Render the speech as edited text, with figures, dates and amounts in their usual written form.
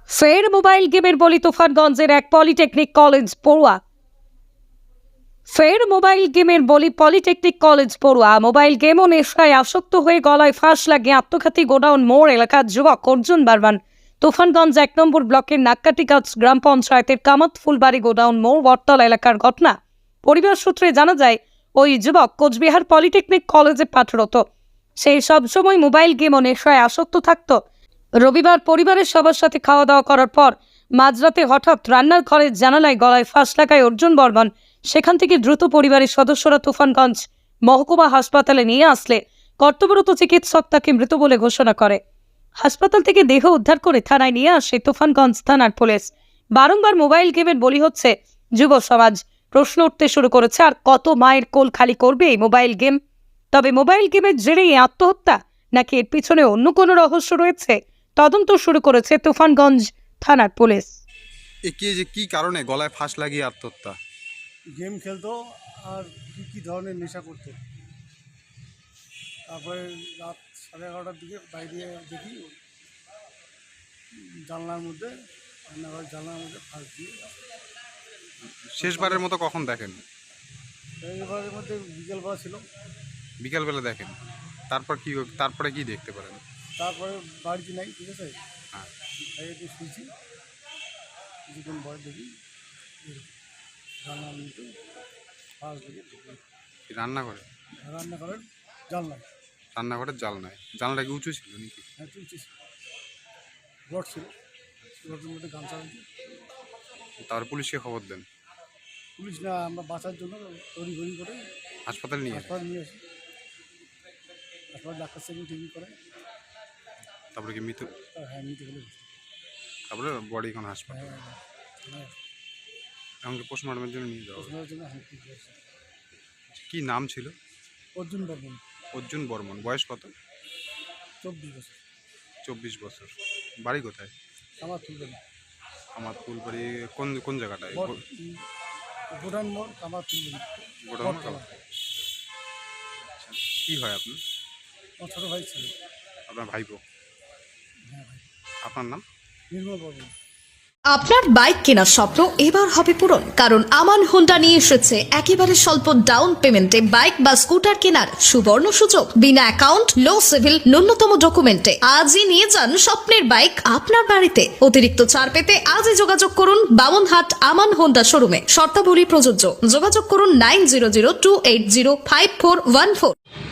ফের মোবাইল গেমের বলি তুফানগঞ্জের এক পলিটেকনিক কলেজ পড়ুয়া। ফের মোবাইল গেমের বলি পলিটেকনিক কলেজ পড়ুয়া। মোবাইল গেম ও নেশায় আসক্ত হয়ে গলায় ফাঁস লাগিয়ে আত্মঘাতী গোডাউন মোড় এলাকার যুবক অর্জুন বারমান। তুফানগঞ্জ ১ নম্বর ব্লকের নাক্কাটিগাছ গ্রাম পঞ্চায়েতের কামাত ফুলবাড়ি গোডাউন মোড় বটতলা এলাকার ঘটনা। পরিবার সূত্রে জানা যায়, ওই যুবক কোচবিহার পলিটেকনিক কলেজে পাঠরত। সেই সবসময় মোবাইল গেম ও নেশায় আসক্ত থাকত। রবিবার পরিবারের সবার সাথে খাওয়া দাওয়া করার পর মাঝরাতে হঠাৎ রান্নার ঘরের জানালায় গলায় ফাঁস লাগায় অর্জুন বর্মন। সেখান থেকে দ্রুত পরিবারের সদস্যরা তুফানগঞ্জ মহকুমা হাসপাতালে নিয়ে আসলে কর্তব্যরত চিকিৎসক তাকে মৃত বলে ঘোষণা করে। হাসপাতাল থেকে দেহ উদ্ধার করে থানায় নিয়ে আসে তুফানগঞ্জ থানার পুলিশ। বারংবার মোবাইল গেমের বলি হচ্ছে যুব সমাজ। প্রশ্ন উঠতে শুরু করেছে, আর কত মায়ের কোল খালি করবে এই মোবাইল গেম? তবে মোবাইল গেমের জেরেই আত্মহত্যা, নাকি এর পিছনে অন্য কোনো রহস্য রয়েছে? তদন্ত শুরু করেছে তুফানগঞ্জ থানার পুলিশ। কি কারণে গলায় ফাঁস লাগিয়ে আত্মহত্যা? গেম খেলতো আর কী ধরনের নেশা করতো। তারপরে রাত 11:30টার দিকে বাইরে দেখি জানলার মধ্যে রান্নাঘর জানলার মধ্যে ফাঁস দিয়ে। শেষবারের মতো কখন দেখেন? এইবারের মধ্যে বিকেলবেলা ছিল। বিকালবেলা দেখেন। তারপরে কি দেখতে পারেন? তারপরে বাড়িতে নাই, ঠিক আছে, হ্যাঁ। বাইরে শুয়েছি, কিছুক্ষণ পরে দেখি জানলার মধ্যে ফাঁস দিয়ে রান্নাঘরে? রান্নাঘরের জানলায়। রান্নাঘরের জানলায়? জানলাটা কি উঁচু ছিল নাকি? হ্যাঁ, চলছে, রড ছিল, রডের মধ্যে গামছা আছে। তার পুলিশকে খবর দেন? পুলিশ না, আমরা বাঁচার জন্য তড়িঘড়ি করে হাসপাতালে নিয়ে আসেন? হাসপাতাল নিয়ে আসি। হাসপাতাল ডাক্তার সাহেব টিভি করে। তারপরে কি মৃত? হ্যাঁ, নিতে গেলে। তারপরে বডি এখন হাসপাতাল? হ্যাঁ, হ্যাঁ, এমনকি পোস্টমর্টমের জন্য নিয়ে যাওয়া হবে? পোস্টমর্টমের জন্য হ্যাঁ, ঠিক আছে। কি নাম ছিল? অর্জুন বর্মন, অর্জুন বর্মন। বয়স কত? 24 বছর। 24 বছর। বাড়ি কোথায়? আমার তুলবেন আমার ফুলবাড়ি কোন জায়গাটায়? গোডাউন মোড়, আমার তুলবেন। গোডাউন? কি হয় আপনার? আমার ছোটো ভাই ছিল। আপনার ভাইপো? হ্যাঁ ভাই। আপনার নাম? নির্মল বর্মন। আপনার বাইক কেনার স্বপ্ন এবার হবে পূরণ, কারণ আমান হোন্ডা নিয়ে এসেছে একেবারে স্বল্প ডাউন পেমেন্টে বাইক বা স্কুটার কেনার সুবর্ণ সুযোগ। বিনা অ্যাকাউন্ট, লো সিভিল, ন্যূনতম ডকুমেন্টে আজই নিয়ে যান স্বপ্নের বাইক আপনার বাড়িতে। অতিরিক্ত ছাড় পেতে আজই যোগাযোগ করুন বামনহাট আমান হোন্ডা শোরুমে। শর্তাবলী প্রযোজ্য। যোগাযোগ করুন 9002805414।